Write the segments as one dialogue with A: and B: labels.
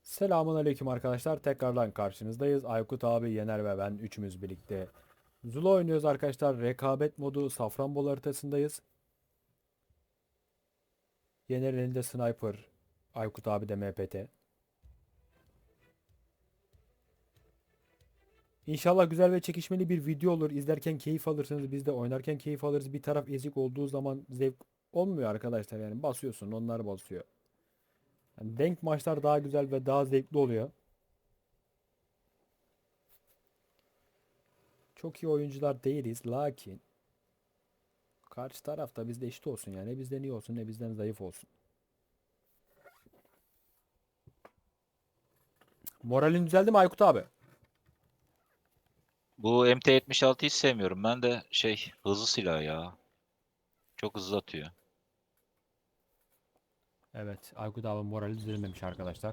A: Selamun aleyküm arkadaşlar. Tekrardan karşınızdayız. Aykut abi, Yener ve ben üçümüz birlikte Zula oynuyoruz arkadaşlar. Rekabet modu Safranbolu haritasındayız. Yener'in elinde sniper. Aykut abi de MPT. İnşallah güzel ve çekişmeli bir video olur. İzlerken keyif alırsınız. Biz de oynarken keyif alırız. Bir taraf ezik olduğu zaman zevk olmuyor arkadaşlar. Yani basıyorsun, onlar basıyor. Yani denk maçlar daha güzel ve daha zevkli oluyor. Çok iyi oyuncular değiliz. Lakin karşı tarafta bizde eşit olsun yani. Ne bizden iyi olsun ne bizden zayıf olsun. Moralin düzeldi mi Aykut abi?
B: Bu MT-76'yı hiç sevmiyorum. Ben de hızlı silah ya. Çok hızlı atıyor.
A: Evet, Aykut abi morali düzelmemiş arkadaşlar.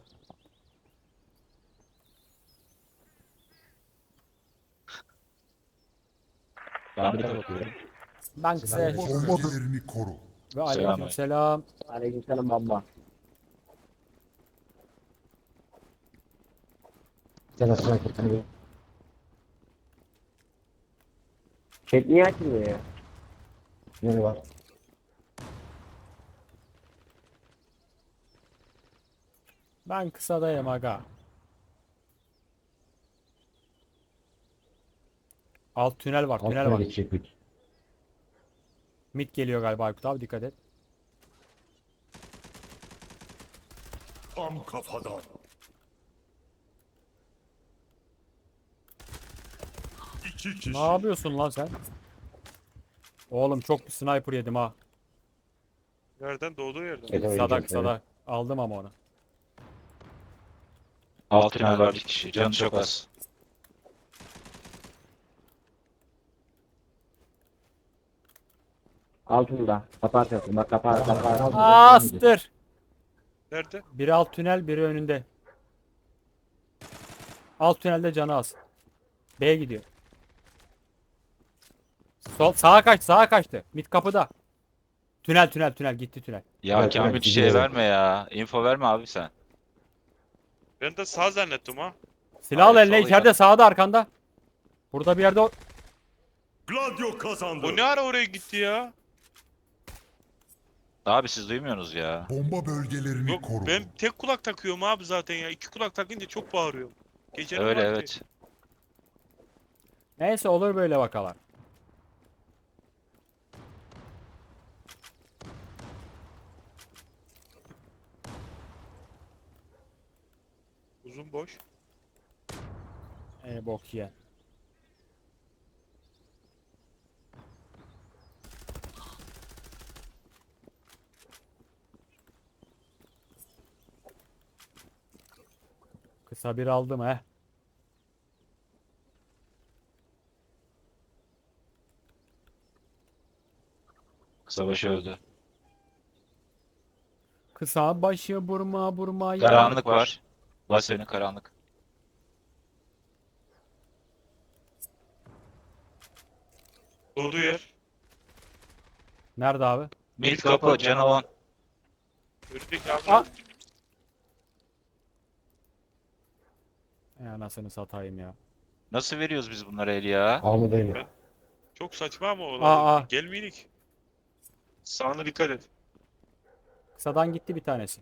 B: Ben bir de bakıyorum.
A: Ben kısa
C: Bomba bölgelerini koru.
A: ve
B: Selam.
A: aleykümselam.
D: Aleykümselam baba. Sen nasıl hakikaten? Chat niye açmıyor ya? Ne var?
A: Ben kısadayım aga. Alt tünel var, tünel var.
D: Geçecek.
A: Mid geliyor galiba Aykut abi, dikkat et.
C: Tam kafadan. İki kişi.
A: Ne yapıyorsun lan sen? Oğlum çok bir sniper yedim ha.
E: Nereden? Doğduğu yerden.
A: Kısada kısada. Aldım ama onu.
B: Alt tünel var bir kişi. Canı çok az.
D: Altında. Kapatıyorsun. Bak kapat.
A: Astır.
E: Nerede?
A: Biri alt tünel, biri önünde. Alt tünelde canı az. B'ye gidiyor. Sol sağa kaç, sağa kaçtı. Mid kapıda. Tünel tünel tünel gitti tünel.
B: Ya
D: Evet,
B: Kamil
D: evet,
B: şey
D: gidiyorum.
B: verme ya. Info verme abi sen.
E: Ben de sağ zannettim ha.
A: Silah al
B: Hayır,
A: eline,
B: sol
A: içeride
B: ya.
A: sağda arkanda. Burada bir yerde
C: Gladio kazandı.
E: Bu ne ara oraya gitti ya?
B: Abi siz duymuyorsunuz ya.
C: Bomba bölgelerini
E: Yok
C: koru.
E: ben tek kulak takıyorum abi zaten ya. İki kulak takınca çok bağırıyorum. Gecenin
B: Öyle
E: vakti.
B: evet.
A: Neyse olur böyle vakalar.
E: Uzun boş.
A: Bok ye. Kısa bir aldım he.
B: Kısa başı öldü.
A: Kısa başı burma burma ya.
B: Karanlık var. Bas önü karanlık.
E: Doğduğu yer.
A: Nerede abi?
B: Mid kapı canavan.
E: Önündeki abi.
A: Aa! Anasını satayım ya.
B: Nasıl veriyoruz biz bunlara el ya?
D: Almadayım.
E: Çok saçma ama o.
A: Aa.
E: Gelmeyelik. Sağına dikkat et.
A: Kısadan gitti bir tanesi.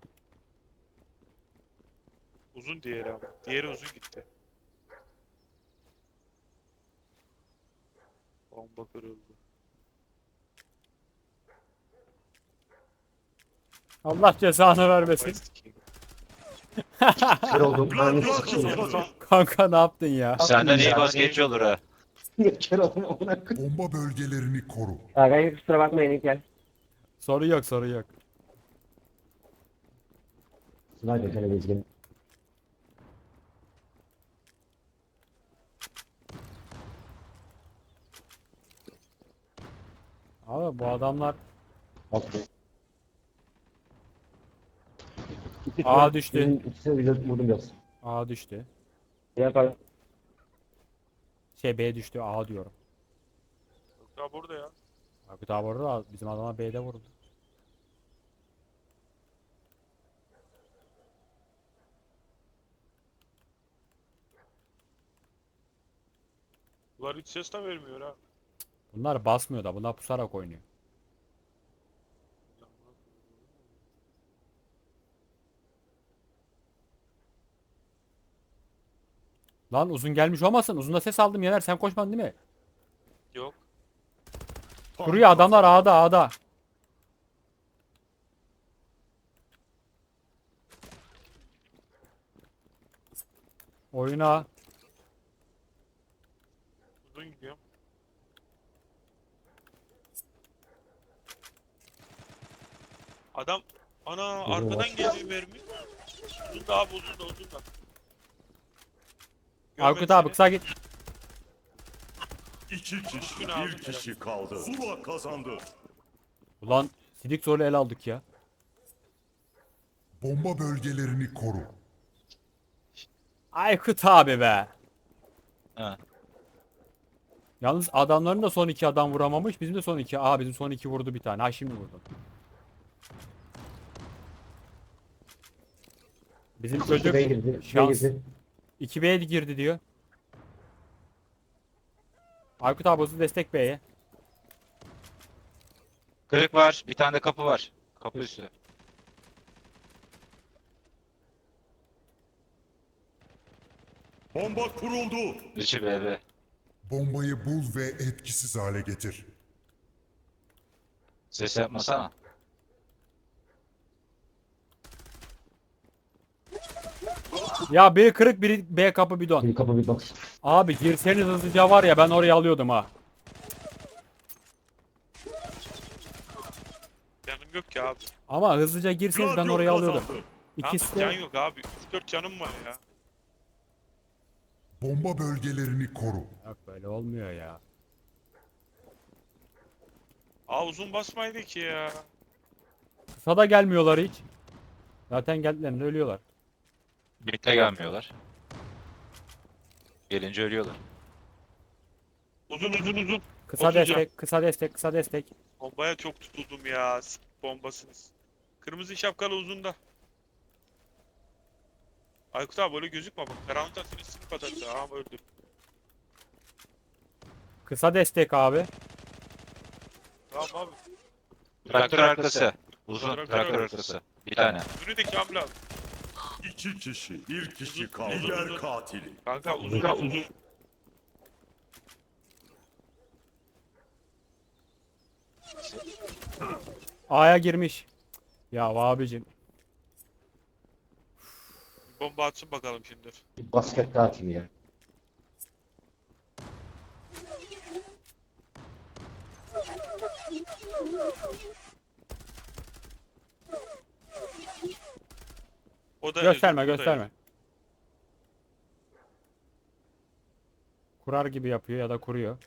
E: Uzun diğeri ama. Diğeri uzun gitti. Bomba kırıldı.
A: Allah cezanı vermesin.
E: West King.
D: Kır oldum.
C: Gladio kazandı.
A: Kanka ne yaptın ya?
B: Senden iyi basketçi olur ha.
D: Kır oldum. Ona kır.
C: Bomba bölgelerini koru.
D: Kanka kusura bakmayın İlker.
A: Soru yok, soru yok.
D: Sniper televizyon.
A: Abi bu adamlar A düştü.
D: İkisini vurdum biraz.
A: A düştü.
D: Ne yapalım?
A: B düştü. A diyorum.
E: Yok ya burada ya.
A: Aykut abi orada, bizim adama B'de vurdu.
E: Bunlar hiç ses de vermiyor ha.
A: Bunlar basmıyor da bunlar pusarak oynuyor. Lan uzun gelmiş olmasın. Uzunda ses aldım Yener. Sen koşmadın değil mi?
E: Yok.
A: Kuruyor adamlar A'da A'da. Oyuna.
E: Uzun gidiyorum. Adam ana
D: Uzun
E: arkadan
D: var.
E: geliyor mermi. Uzun da abi uzun da uzun da.
A: Aykut
E: Görmedi
A: abi
E: seni.
A: kısa git.
C: 2 kişi,
E: Üstüne aldım
C: 1 kişi kaldı. Zula kazandı.
A: Ulan sidik zorlu el aldık ya.
C: Bomba bölgelerini koru.
A: Aykut abi be.
B: Ha.
A: Yalnız adamların da son iki adam vuramamış. Bizim de son iki. Aha bizim son iki vurdu bir tane. Ha şimdi vurdu. Bizim çocuk
D: B girdi. B
A: şans.
D: girdi.
A: 2B'ye girdi diyor. Aykut abi hızlı destek B'ye.
B: Kırık var. Bir tane de kapı var. Kapı üstü.
C: Bomba kuruldu.
B: Dışı BB.
C: Bombayı bul ve etkisiz hale getir.
B: Ses yapmasana.
A: Ya biri kırık biri B kapı bidon.
D: Bir kapı bir box.
A: Abi girseniz hızlıca var ya ben orayı alıyordum ha.
E: Canım yok ki abi.
A: Ama hızlıca girseniz ben
C: Gladio
A: orayı alıyordum.
C: kazandı.
A: İkisi
E: Abi, can
A: de
E: yok abi. 3-4 canım var ya.
C: Bomba bölgelerini koru.
A: yok böyle olmuyor ya.
E: Aa uzun basmaydı ki ya.
A: Kısa da gelmiyorlar hiç. Zaten geldilerinde ölüyorlar.
B: Birlikte gelmiyorlar. Gelince ölüyorlar.
E: Uzun uzun uzun.
A: Kısa
E: 30 can.
A: destek, kısa destek, kısa destek.
E: Bombaya çok tutuldum ya. Bombasınız. Kırmızı şapkalı uzunda. Aykut abi öyle gözükme bak. Karanlıkta seni sınıf atacaktı. Aha öldü.
A: Kısa destek abi.
E: Tamam abi.
B: Traktör arkası. Uzun
E: Traktör
B: traktör
E: arkası.
B: arkası. Bir tane.
E: Önü de Kamil abi.
C: 2 kişi, 1 kişi kaldı. Lider katili.
E: Kanka uzun uzun.
A: A'ya girmiş. Ya abicim.
E: Bomba atsın bakalım şimdi.
D: Bir basket daha atayım ya.
E: O da
A: Gösterme
E: yazıyor, bu da
A: gösterme. Kurar gibi yapıyor ya da kuruyor.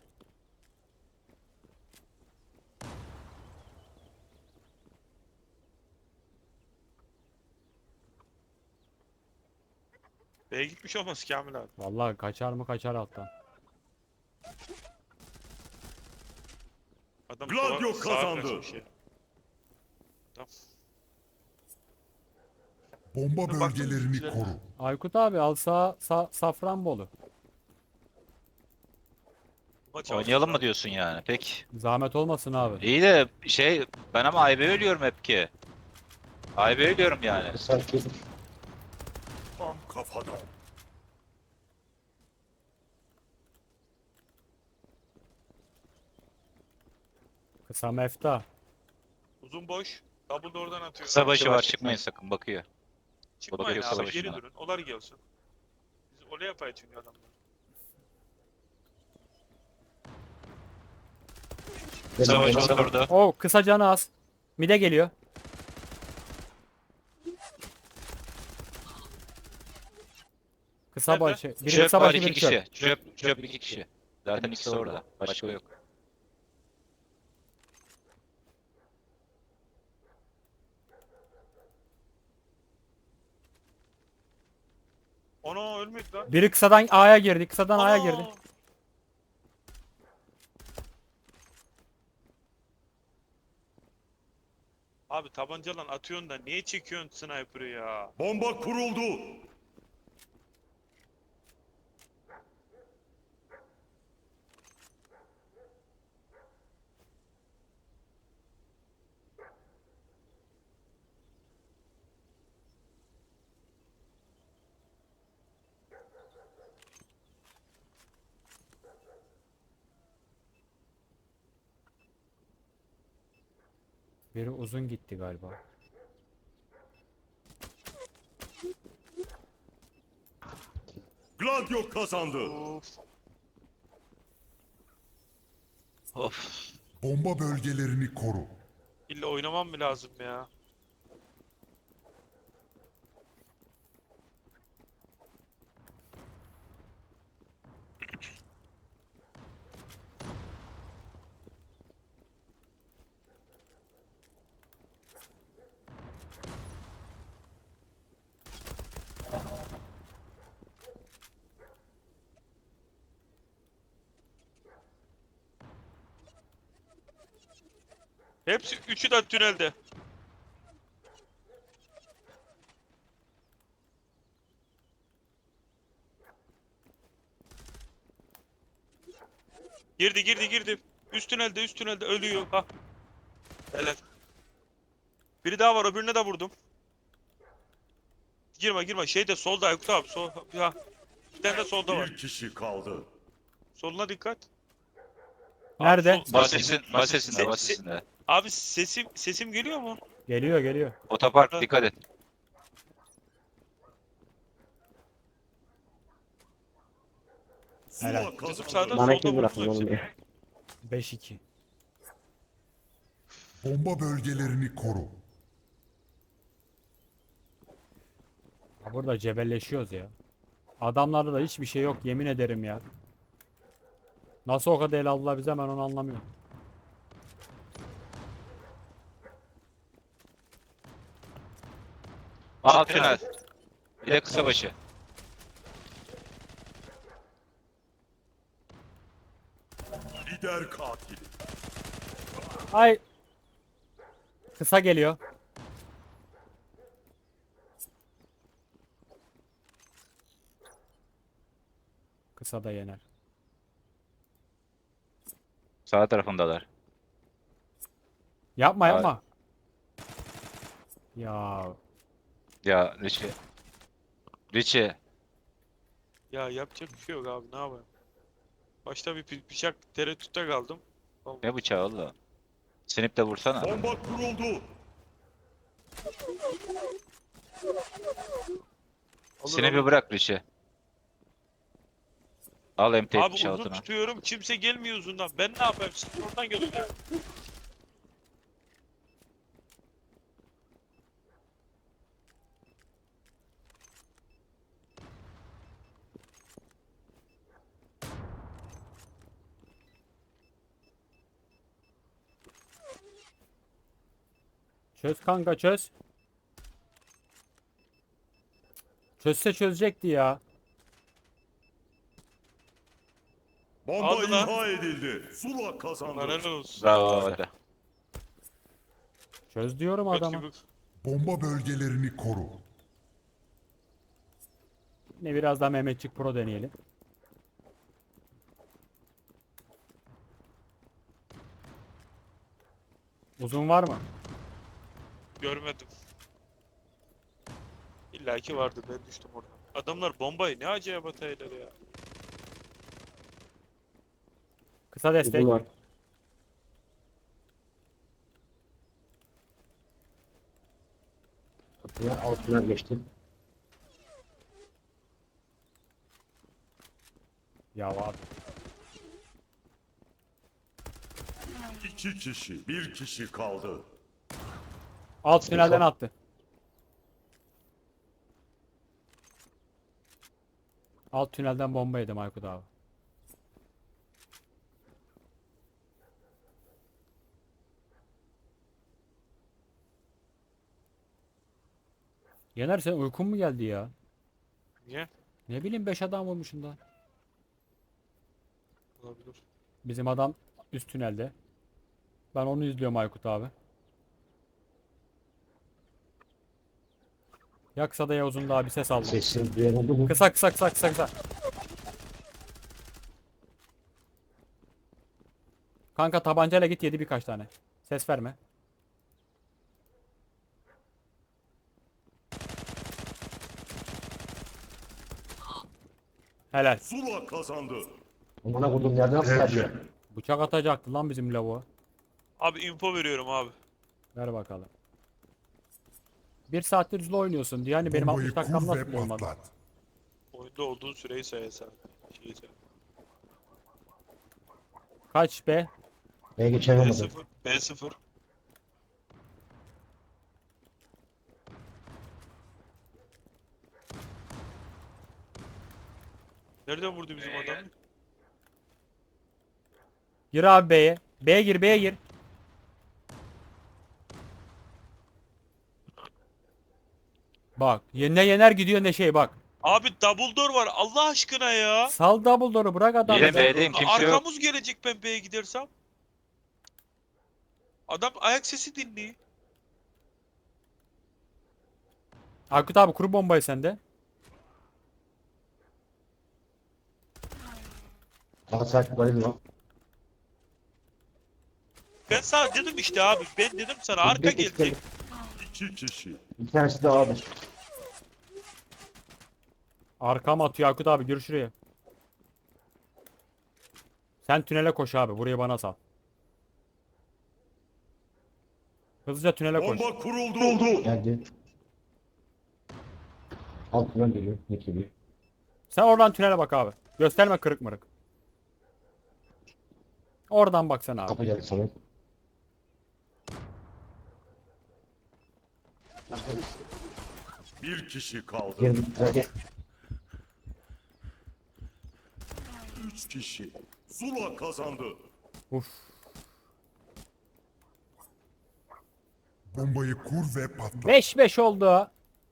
E: B'ye gitmiş olmaz Kamil abi.
A: Vallahi kaçar mı kaçar alttan.
E: Adam
C: Gladio
E: sağa
C: kazandı.
E: kaçmış ya. Tamam.
C: Bomba
E: Baktım
C: bölgelerini
E: bizimkilere.
C: koru.
A: Aykut abi al Safranbolu.
E: Maç
B: Oynayalım mı
E: aldık.
B: diyorsun yani? Peki.
A: Zahmet olmasın abi.
B: İyi de şey ben ama AYB ölüyorum hep ki. AYB ölüyorum yani.
D: Sanki
C: Tam kafadan.
A: Kısa mefta.
E: Uzun boş. Double da oradan atıyor.
B: Kısa başı var çıkmayın sakın bakıyor.
E: Çıkmayın
B: bakıyor
E: abi
B: savaşına.
E: geri durun. Olar gelsin. Biz olay yapayım çünkü adamlar.
B: Kısa başı oturdu.
A: O kısa canı az. Mide geliyor. Kısa
E: Nerede?
A: başı. Biri
B: Çöp
A: kısa
B: var
A: başı
B: iki
A: biri çöp.
B: kişi. Çöp iki kişi. Zaten ikisi orada. Başka yok.
E: Ana ölmedi lan.
A: Biri kısadan A'ya girdi. Kısadan A'ya
E: Ana!
A: girdi.
E: Abi tabancalan atıyorsun da niye çekiyorsun sniper'ı ya?
C: Bomba kuruldu.
A: Biri uzun gitti galiba.
C: Gladio kazandı.
E: Of.
B: Of.
F: Bomba bölgelerini koru.
E: İlla oynamam mı lazım ya? Hepsi üçü de tünelde. Girdi. Üst tünelde ölüyor. Ha. Helal. Biri daha var, öbürüne de vurdum. Girme. Şey de solda Aykut abi. Sol, ha. Bir tane de solda var.
C: Bir kişi kaldı.
E: Soluna dikkat.
A: Nerede?
E: Abi,
B: Basesinde.
E: Abi sesim geliyor mu?
A: Geliyor.
B: Otopark dikkat et.
C: Zula
A: Helal.
E: Bizim
C: kazandı.
E: sağda
D: Bana
E: solda
D: kim
E: vurdum
D: bıraktın
E: hepsini.
D: oğlum ya?
A: 5-2.
F: Bomba bölgelerini koru.
A: Ya burada cebelleşiyoruz ya. Adamlarda da hiçbir şey yok yemin ederim ya. Nasıl o kadar el aldılar bize, ben onu anlamıyorum.
B: Alt tünel. Bir de kısa başı.
C: Lider katil.
A: Ay. Kısa geliyor. Kısa da yener.
B: Sağ tarafındalar.
A: Yapma. Ya
B: Ya Richie.
E: Ya yapacak bir şey yok abi, ne yapayım? Başta bir bıçak tereddütte kaldım.
B: Ne bıçağı oğlum? Sinip de vursana.
C: Bomba kuruldu.
B: Sinip'i bırak Richie. Al
E: Abi uzun
B: M76'ını.
E: tutuyorum, kimse gelmiyor uzundan. Ben ne yapayım? Siz oradan gelin ya.
A: çöz kanka çöz. Çözse çözecekti ya.
C: Bomba
E: Aldı lan.
C: imha edildi. Zula kazandı.
E: Helal olsun.
B: Bravo hadi.
A: Çöz diyorum
E: Göt
A: adama.
E: gibi.
F: Bomba bölgelerini koru.
A: Yine biraz daha Mehmetçik Pro deneyelim. Uzun var mı?
E: Görmedim. İlla ki vardı, ben düştüm oradan. Adamlar bombayı ne acayip ataylar ya.
A: Kısa destek.
D: Uzun var. Kapıya altına geçtim.
A: Ya abi.
C: İki kişi. Bir kişi kaldı.
A: Alt tünelden attı. Alt tünelden bomba yedim Aykut abi. Yener, sen uykun mu geldi ya?
E: Niye?
A: Ne bileyim 5 adam vurmuşsun da.
E: Olabilir.
A: Bizim adam üst tünelde. Ben onu izliyorum Aykut abi. Ya kısa da ya uzun daha bir ses aldım.
D: Sesini duyan oldu mu?
A: Kısa. Kanka tabancayla git, yedi birkaç tane. Ses verme. Helal.
C: Zula kazandı.
D: Amına koydum yerden nasıl kaçıyor?
A: Bıçak atacaktı lan bizim lavuğa.
E: Abi info veriyorum abi.
A: Ver bakalım. Bir saattir Zula oynuyorsun diyor. Hani benim
F: Bombayı
A: 60 dakikam
F: kur ve
A: nasıl olmadı?
F: patlat.
E: Oyunda olduğun süreyi say sen. Şeyi say.
A: Kaç be?
D: B'ye geçemedim.
E: B0. B0. Nereden vurdu bizim adam?
A: Gir abi B'ye. B'ye gir, B'ye gir. Bak, ne yener gidiyor ne şey bak.
E: Abi double door var Allah aşkına ya.
A: Sal Dumbledore'u bırak adamı.
B: Yine B'deyim, kimse yok.
E: Arkamız gelecek ben B'ye gidersem. Adam ayak sesi dinliyor.
A: Aykut abi kuru bombayı sende.
D: Bana sert böyle lan.
E: Ben sana dedim işte abi. Ben dedim sana arka gelecek.
C: 2 kişi.
D: Bir tanesi de A'dır.
A: Arkam atıyor Aykut abi, gir şuraya. Sen tünele koş abi, burayı bana sal. Hızlıca tünele koş.
C: Bomba kuruldu.
D: Geldi. Altından geliyor. Ne geliyor?
A: Sen oradan tünele bak abi. Gösterme kırık mırık. Oradan bak sen abi.
D: Kapı geldi sana.
C: Bir kişi kaldı.
D: Girdi. Geldi.
C: 3 kişi. Zula kazandı.
A: Uf.
F: Bombayı kur ve patlat.
A: 5-5 oldu.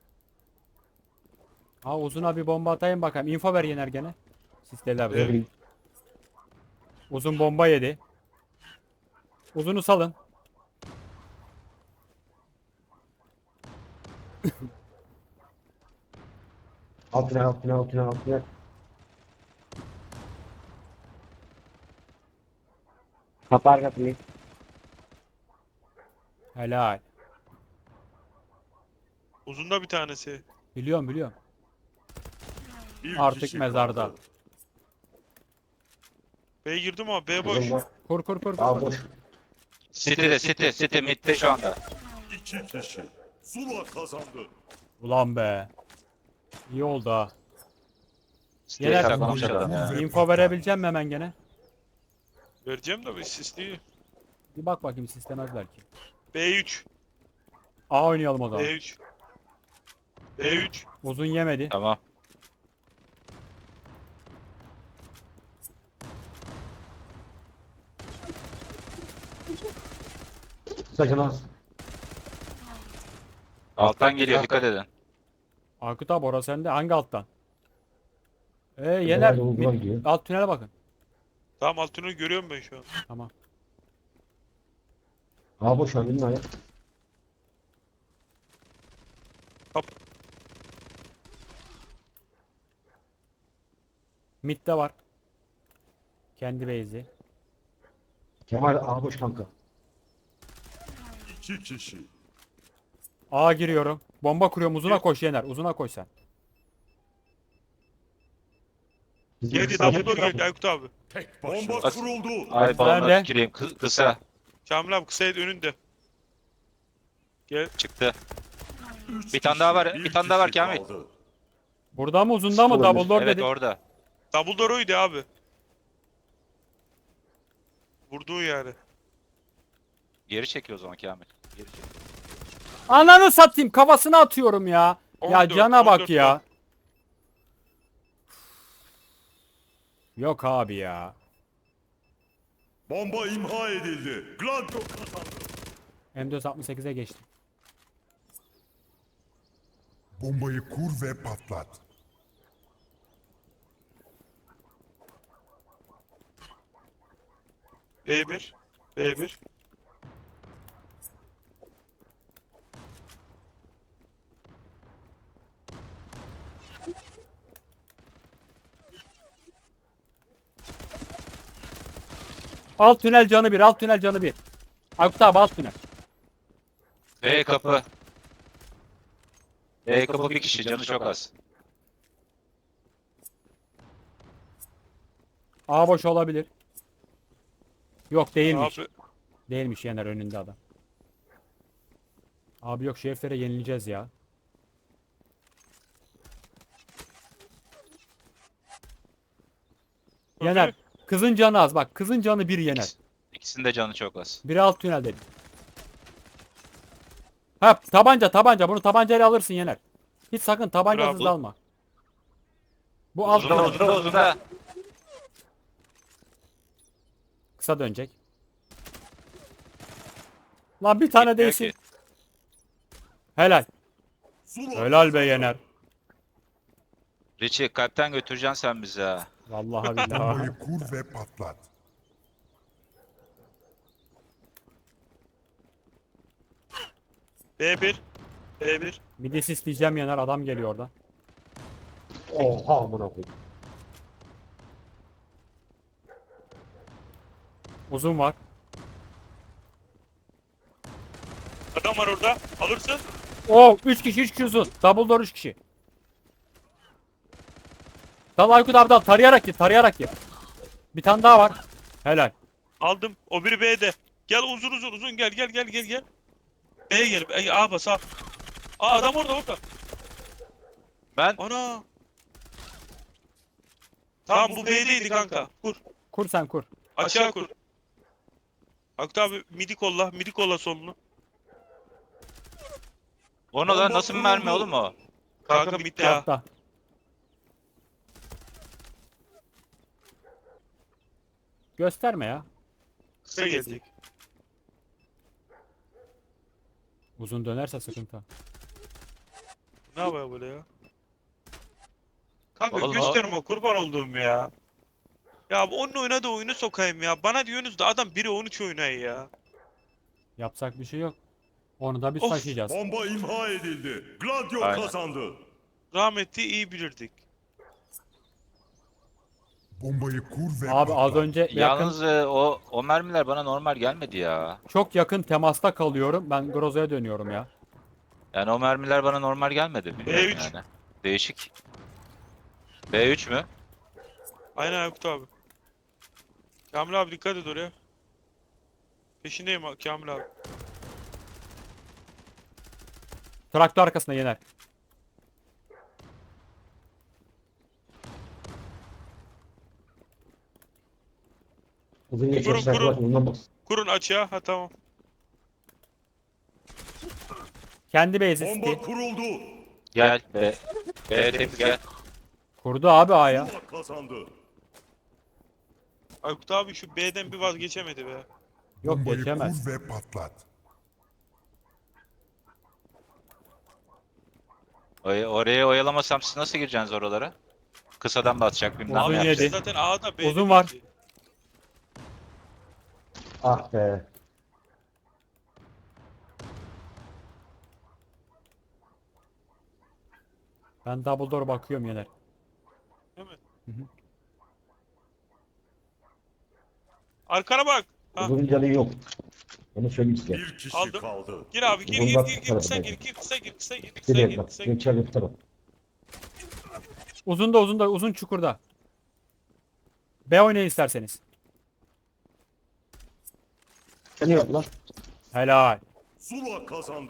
A: Ha uzuna bir bomba atayım bakayım. Info ver Yener gene. Sisteler.
E: Evet.
A: Uzun bomba yedi. Uzunu salın.
D: Altına. Kapar kapıyı.
A: Helal.
E: Uzunda bir tanesi.
A: Biliyorum.
C: Bir
A: Artık
C: kişi
A: mezarda.
C: kaldı.
E: B'ye girdim ama B boş.
D: Uzun var.
A: Kur.
D: A boş.
B: City midde şu anda.
C: 2 kişi. Zula kazandı.
A: Ulan be. İyi oldu ha.
B: City'ye
A: Yener-
B: saklamış adam ya.
F: Ve
A: Info
F: patlat.
A: verebileceğim mi hemen gene?
E: Vereceğim de bir sisli.
A: Bir bak bakayım sistemezler ki.
E: B3.
A: A oynayalım o zaman.
E: B3. B3.
A: Uzun yemedi.
B: Tamam.
D: Sakın az.
B: Alttan geliyor, dikkat edin.
A: Aykut abi orası sende. Hangi alttan? Yener.
D: Uzun gidiyor.
A: Alt tünele bakın.
E: Tamam altını görüyorum ben şu an.
A: Tamam.
D: A boş önünün ayağı.
A: Mid'de var. Kendi base'i.
D: Kemal A boş kanka.
C: 2 kişi.
A: A giriyorum. Bomba kuruyorum. Uzuna koş Yener. Uzuna koş sen.
D: Bizim
E: Geldi
D: sağ-
E: double door geldi Aykut abi.
C: Tek başına. Bomba kuruldu.
B: Ay
A: Nerede?
B: balona tüküreyim, kısa.
E: Kamil abi kısa önünde. Gel.
B: Çıktı.
C: 3
B: Bir tane daha var,
C: kişi,
B: bir tane daha var
C: kişi
B: Kamil.
C: kaldı.
A: Burada mı uzunda mı?
D: Olabilir.
A: Double door
B: Evet
A: dedi.
B: orada.
E: Double door oydu abi. Vurduğu yani.
B: Geri çekiyor o zaman Kamil. Geri çek.
A: Ananı satayım. Kafasına atıyorum ya. Ya
E: 14,
A: cana bak
E: 14
A: ya.
E: var.
A: Yok abi ya.
C: Bomba imha edildi. Gladio kazandı.
A: M468'e geçtim.
F: Bombayı kur ve patlat.
E: B1. B1.
A: Alt tünel canı bir. Alt tünel canı bir. Aykut abi alt tünel.
B: B kapı. B kapı bir kişi, canı çok az.
A: A boş olabilir. Yok değilmiş.
E: Abi
A: Değilmiş Yener önünde adam. Abi yok, şu heriflere yenileceğiz ya. Yener. Kızın canı az bak. Kızın canı bir yener.
B: İkisinin de canı çok az.
A: Biri alt tünelde. Ha, tabanca. Bunu tabancayla alırsın Yener. Hiç sakın tabancasız
E: Bravo.
A: alma. Bu alt
B: Uzun da
A: tünel.
B: uzun da uzun da.
A: Kısa dönecek. Lan bir tane
B: Gitmiyor
A: değsin.
B: ki.
A: Helal.
C: Zula
A: Helal be
C: kazandı.
A: Yener.
B: Richie kalpten götüreceksin sen bizi ha.
A: Vallahi billahi.
F: Bombayı kur ve patlat.
E: B1. B1.
A: Midis isteyeceğim Yener. Adam geliyor orada.
D: Oha amına koyayım.
A: Uzun var.
E: Adam var orada. Alırsın.
A: Oh, 3 kişi uzun. Double door 3 kişi. Dal Aykut abi dal. Tarayarak git. Bir tane daha var. Helal.
E: Aldım. O biri B'de. Gel uzun gel. B'ye gel. A bas A. Aa adam orada.
B: Ben
E: Ana. Tamam bu B'deydi kanka. Kur.
A: Kur sen kur.
E: Açığa kur. Aktı abi midi kolla solunu.
B: onu da nasıl bir mermi oğlum o?
E: Kanka midde ha.
A: Hatta. Gösterme ya.
E: Kısa gelecek.
A: Uzun dönerse sıkıntı.
E: Ne yapıyor böyle ya? Kanka
B: Oğlum,
E: gösterme kurban olduğum ya. Ya bu onun oynadığı oyunu sokayım ya. Bana diyorsunuz da adam 1'e 13 oynayı ya.
A: Yapacak bir şey yok. Onu da biz
E: Of,
A: taşıyacağız.
C: Bomba imha edildi. Gladio
B: Aynen.
C: kazandı.
E: Rahmetli iyi bilirdik.
F: Bombayı kur ve
A: Abi az
F: patlat.
A: önce yakın,
B: Yalnız o mermiler bana normal gelmedi ya.
A: çok yakın temasta kalıyorum. Ben Groza'ya dönüyorum ya.
B: Yani o mermiler bana normal gelmedi. Bilmiyorum
E: B3.
B: yani. Değişik. B3 mü?
E: Aynen Aykut abi. Kamil abi dikkat et oraya. Peşindeyim Kamil abi.
A: Traktör arkasında Yener.
D: Uzun geçiyor.
E: Kurun, kurun.
D: Bundan bas.
E: Kurun açığa. Ha tamam.
A: Kendi base'i
C: Bomba
A: City.
C: kuruldu.
B: Gel. B temiz gel.
A: Kurdu abi A'ya.
C: Zula kazandı.
E: Aykut abi şu B'den bir vazgeçemedi be.
A: Yok
F: Bombayı
A: geçemez.
F: kur ve patlat.
B: Oraya oyalamasam siz nasıl gireceksiniz oralara? Kısadan batacak bilmem
A: Uzun
B: ne
A: yedi.
B: yapacak.
E: Zaten A'da B'de
A: Uzun var.
E: bitti.
D: Ah be.
A: Ben double door bakıyorum Yener.
E: Değil mi?
A: Hı hı.
E: Arkana bak. Ha.
D: Uzun canı yok. Onu söyleyeyim size.
C: Bir kişi
E: Aldım.
C: kaldı.
E: Gir abi gir
D: Uzun bak
E: kısa
D: tarafına.
E: gir kısa gir kısa
D: Geriye bak.
E: gir.
D: Geçer bir taraf.
A: Uzun çukurda. B oynayın isterseniz.
D: Canı yok lan.
A: Helal.
C: Zula kazandı.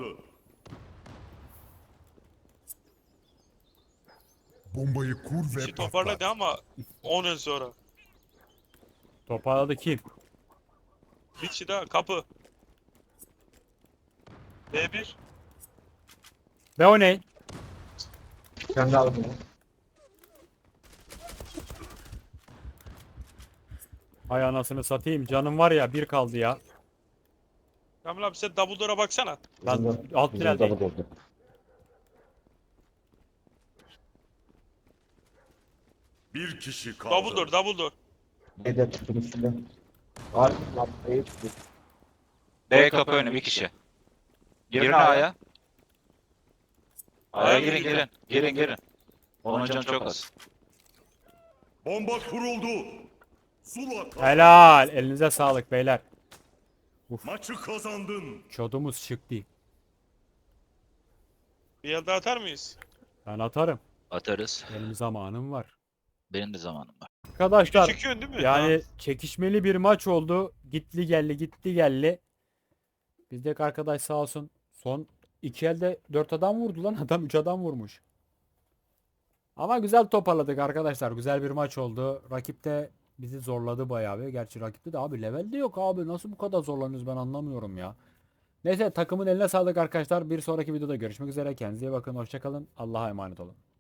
F: Bombayı kur ve
E: İşi
F: patlat.
E: toparladı ama 10 yıl sonra.
A: Toparladı kim?
E: Richie daha kapı. B1.
A: B oynayın.
D: Sen de aldın.
A: Hay anasını satayım. Canım var ya, bir kaldı ya.
E: Kamil abi sen double door'a baksana.
A: Ben alt tüneldeyim.
C: Bir kişi kaldı.
E: Double door.
D: Neden çıktım üstünden? Harbi lan. Çıktı.
B: B kapı önü bir kişi. Girin A'ya. A'ya girin. Onun canı çok az.
C: Bomba kuruldu. Zula kazandı.
A: Helal. Elinize sağlık beyler.
C: Maçı kazandın.
A: Çodumuz çıktı.
E: Bir elde atar mıyız?
A: Ben atarım.
B: Atarız.
A: Benim zamanım var.
B: Benim de zamanım var.
A: Arkadaşlar
E: Çekiyorsun değil mi?
A: yani çekişmeli bir maç oldu. Gitti geldi. Bizdeki arkadaş sağ olsun son İki elde 4 adam vurdu lan. Adam 3 adam vurmuş. Ama güzel toparladık arkadaşlar. Güzel bir maç oldu. Rakip de bizi zorladı bayağı bir. Gerçi rakipte de abi level de yok abi. Nasıl bu kadar zorlanıyoruz ben anlamıyorum ya. Neyse takımın eline sağlık arkadaşlar. Bir sonraki videoda görüşmek üzere. Kendinize iyi bakın. Hoşça kalın. Allah'a emanet olun.